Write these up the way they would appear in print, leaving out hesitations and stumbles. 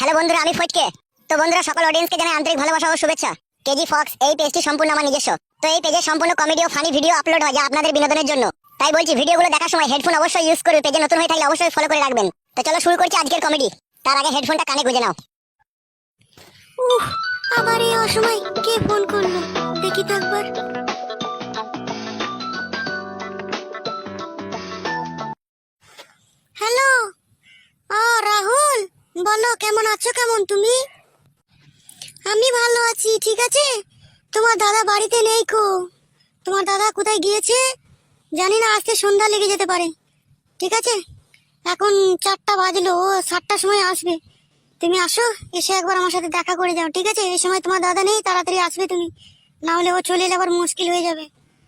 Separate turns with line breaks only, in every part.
Hello বন্ধুরা, আমি ফটকে। তো বন্ধুরা, সকল অডিয়েন্সকে জানাই আন্তরিক ভালোবাসা ও শুভেচ্ছা। কেজি ফক্স এই পেজটি সম্পূর্ণ আমার নিজস্ব। তো এই পেজে সম্পূর্ণ কমেডি ও ফানি ভিডিও আপলোড হয়, যা আপনাদের বিনোদনের জন্য। তাই বলছি, ভিডিওগুলো দেখার সময় হেডফোন অবশ্যই ইউজ করবে। পেজে নতুন হয়ে থাকলে অবশ্যই ফলো করে রাখবেন। তো চলো শুরু করছি আজকের কমেডি। তার আগে হেডফোনটা কানে গুঁজে নাও।
আবার এই অসময় কে ফোন করলো, দেখি তো একবার। হ্যালো, রাহুল, বলো কেমন আছো? কেমন তুমি? আমি ভালো আছি, ঠিক আছে। তোমার দাদা বাড়িতে নেই কো? তোমার দাদা কোথায় গিয়েছে জানি না, আজকে সন্ধ্যা লেগে যেতে পারে। ঠিক আছে, এখন 4টা বাজলো, ও 7টার সময় আসবে। তুমি আসো, এসে একবার আমার সাথে দেখা করে যাও, ঠিক আছে? এই সময় তোমার দাদা নেই, তাড়াতাড়ি আসবে তুমি, না হলে ও চলে এলে আবার মুশকিল হয়ে যাবে।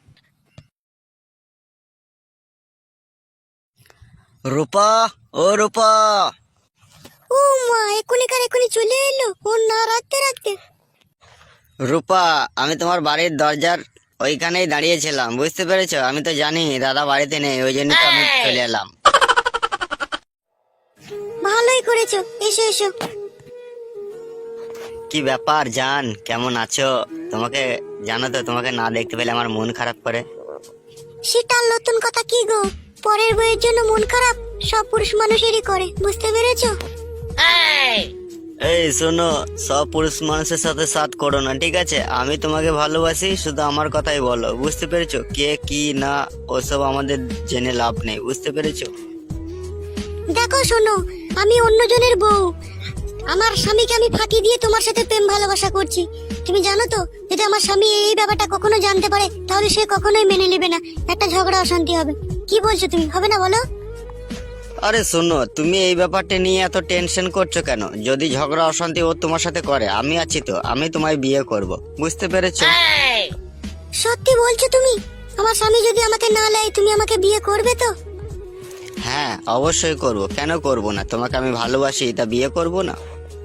রূপা, ও রূপা।
ও মা, এক্ষুনি চলে এলো, ও না রাখতে রাখতে।
রূপা, আমি তোমার বাড়ির দরজার ওইখানেই দাঁড়িয়েছিলাম, বুঝতে পেরেছো? আমি তো জানি দাদা বাড়িতে নেই, ওই জন্য তো আমি চলে এলাম।
ভালোই করেছো, এসো এসো।
কি ব্যাপার জান, কেমন আছো? তোমাকে জানো তো, তোমাকে না দেখতে পেলে আমার মন খারাপ করে।
সেটা আর নতুন কথা কি গো? পরের বইয়ের জন্য মন খারাপ সব পুরুষ মানুষেরই করে, বুঝতে পেরেছো?
এই শোনো, সব পুরুষ মানুষের সাথে সাথ করো না, ঠিক আছে? আমি তোমাকে ভালোবাসি, শুধু আমার কথাই বলো, বুঝতে পেরেছো? কে কি না ওসব আমাদের জেনে লাভ নেই, বুঝতে পেরেছো?
দেখো শোনো, আমি অন্যজনের বউ, আমার স্বামীকে আমি ফাঁকি দিয়ে তোমার সাথে প্রেম ভালোবাসা করছি। তুমি জানো তো, যদি আমার স্বামী এই ব্যাপারটা কখনো জানতে পারে, তাহলে সে কখনোই মেনে নেবে না, একটা ঝগড়া অশান্তি হবে। কি বলছো তুমি, হবে না বলো?
আরে শোনো, তুমি এই ব্যাপারটা নিয়ে এত টেনশন করছো কেন? যদি ঝগড়া অশান্তি ও তোমার সাথে করে, আমি আছি তো, আমি তোমায় বিয়ে করব, বুঝতে পেরেছো?
সত্যি বলছো তুমি? আমার স্বামী যদি আমাকে না নেয়, তুমি আমাকে বিয়ে করবে তো?
হ্যাঁ, অবশ্যই করব, কেন করব না? তোমাকে আমি ভালোবাসি, তা বিয়ে করব না?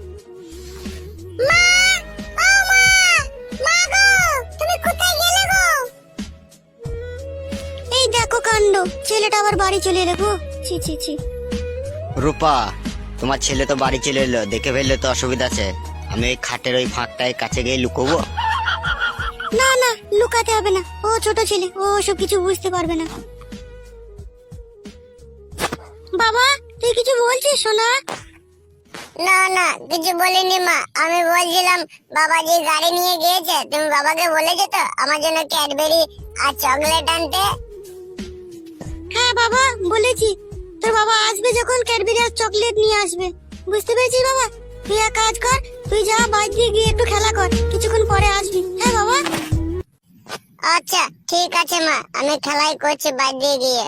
এই দেখো কাণ্ড, ছেলেটা আবার বাড়ি চলে এলো গো। ছি ছি ছি।
রূপা, তোমার ছেলে তো বাড়ি চলে এলো, দেখে ফেললে তো অসুবিধা আছে। আমি ওই খাটের ওই ফাঁকটায় কাছে গিয়ে লুকোবো?
না না, লুকাতে হবে না, ও ছোট ছেলে, ও সব কিছু বুঝতে পারবে না। বাবা, তুই কিছু বলছিস সোনা?
না না, কিছু বলিনি মা। আমি বলছিলাম, বাবা যে গাড়ি নিয়ে গিয়েছে, তুমি বাবাকে বলেছো তো আমার জন্য ক্যাডবেরি আর চকলেট আনতে?
হ্যাঁ বাবা, বলেছি। তোর বাবা আসবে যখন, ক্যাডবেরি আর চকলেট নিয়ে আসবে, বুঝতে পেরেছিস বাবা? তুই এক কাজ কর, তুই যা বাইরে দিয়ে গিয়ে একটু খেলা কর, কিছুক্ষণ পরে আসবি, হ্যাঁ বাবা?
আচ্ছা ঠিক আছে মা, আমি খেলাই করছি বাইরে গিয়ে।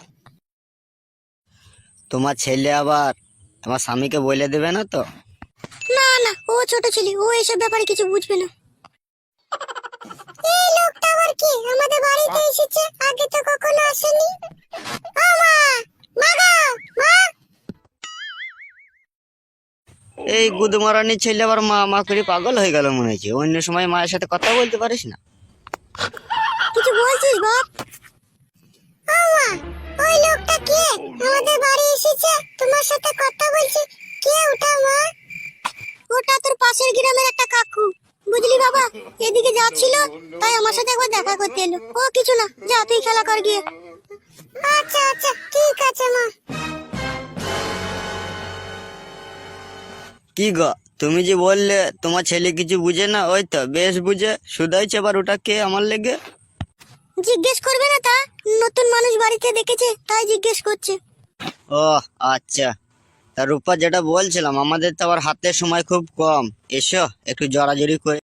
তোমার ছেলে আবার তোমার স্বামীকে বলে দেবে না তো?
না না, ও ছোট ছেলে, ও এসব ব্যাপারে কিছু বুঝবে না। এই লোকটা আবার কি আমাদের বাড়িতে এসেছে? আগে তো কখনো আসেনি। ও মা, মা গো, মা।
এই গুদমারানির ছেলে আবার মা মা করে পাগল হয়ে গেল মনে হচ্ছে। অন্য সময় মায়ের সাথে কথা বলতে পারিস না?
কিছু বলছিস বাপ? ও মা, ওই লোকটা কে আমাদের বাড়ি এসেছে, তোমার সাথে কথা বলছে? কে ওটা মা? ওটা তোর পাশের গ্রামের একটা কাকু, বুঝলি বাবা? এদিকে যাচ্ছিল, তাই আমার সাথে একবার দেখা করতে এলো। ও কিছু না, যা তুই খেলা কর গিয়ে। আচ্ছা আচ্ছা, ঠিক আছে মা।
কি গো, তুমি যে বললে তোমার ছেলে কিছু বুঝে না, ওই তো বেশ বুঝে, শুধাইছে আবার ওটা কে আমার লেগে?
জিজ্ঞেস করবে না তা? নতুন মানুষ বাড়িতে দেখেছে, তাই জিজ্ঞেস করছে।
ও আচ্ছা। তা রূপা, যেটা বলছিলাম, আমাদের তো আবার হাতে সময় খুব কম, এসো একটু জড়াজড়ি করে